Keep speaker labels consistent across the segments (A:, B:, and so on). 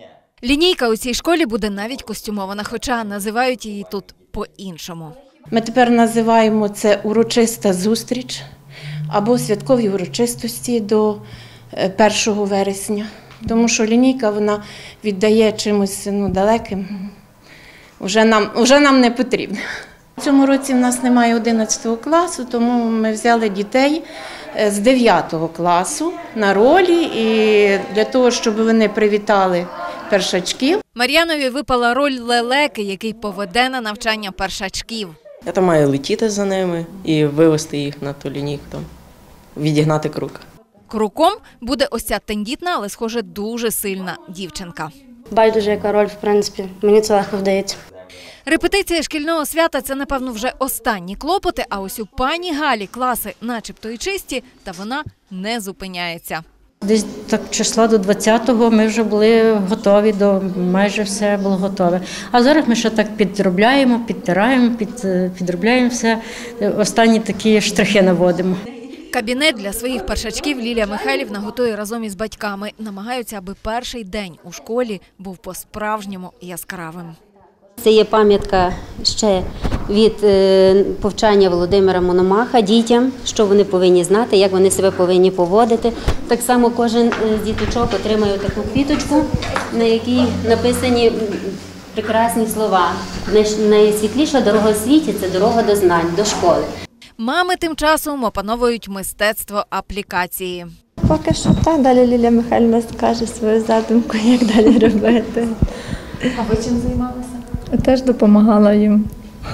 A: Лінійка у цій школі буде навіть костюмована, хоча називають її тут по-іншому.
B: Ми тепер називаємо це урочиста зустріч або святкові урочистості до 1 вересня. Тому що лінійка вона віддає чимось далеким, вже нам не потрібно. В цьому році в нас немає 11 класу, тому ми взяли дітей з 9 класу на ролі і для того, щоб вони привітали першачків.
A: Мар'янові випала роль лелеки, який поведе на навчання першачків.
C: Я там маю летіти за ними і вивести їх на ту лінійку, відігнати круг.
A: Круком буде ось ця тендітна, але, схоже, дуже сильна дівчинка.
D: Байдуже, яка роль, в принципі, мені це легко вдається.
A: Репетиція шкільного свята – це, напевно, вже останні клопоти, а ось у пані Галі класи начебто і чисті, та вона не зупиняється.
E: Десь так числа до 20-го ми вже були готові, майже все було готове. А зараз ми ще так підробляємо, підтираємо, підробляємо все, останні такі штрихи наводимо.
A: Кабінет для своїх першачків Лілія Михайлівна готує разом із батьками. Намагаються, аби перший день у школі був по-справжньому яскравим.
F: Це є пам'ятка ще від повчання Володимира Мономаха дітям, що вони повинні знати, як вони себе повинні поводити. Так само кожен з діточок отримає таку квіточку, на якій написані прекрасні слова. Найсвітліша дорога у світі – це дорога до знань, до школи.
A: Мами тим часом опановують мистецтво аплікації.
G: Поки що так, далі Лілія Михайлівна скаже свою задумку, як далі робити.
A: А ви чим займалися?
G: Теж допомагала їм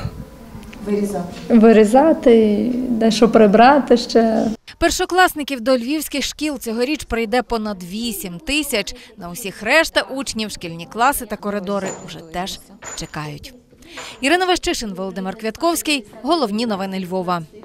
G: вирізати, дещо прибрати ще.
A: Першокласників до львівських шкіл цьогоріч прийде понад 8 тисяч. На усіх решта учнів шкільні класи та коридори вже теж чекають. Ірина Ващишин, Володимир Квятковський. Головні новини Львова.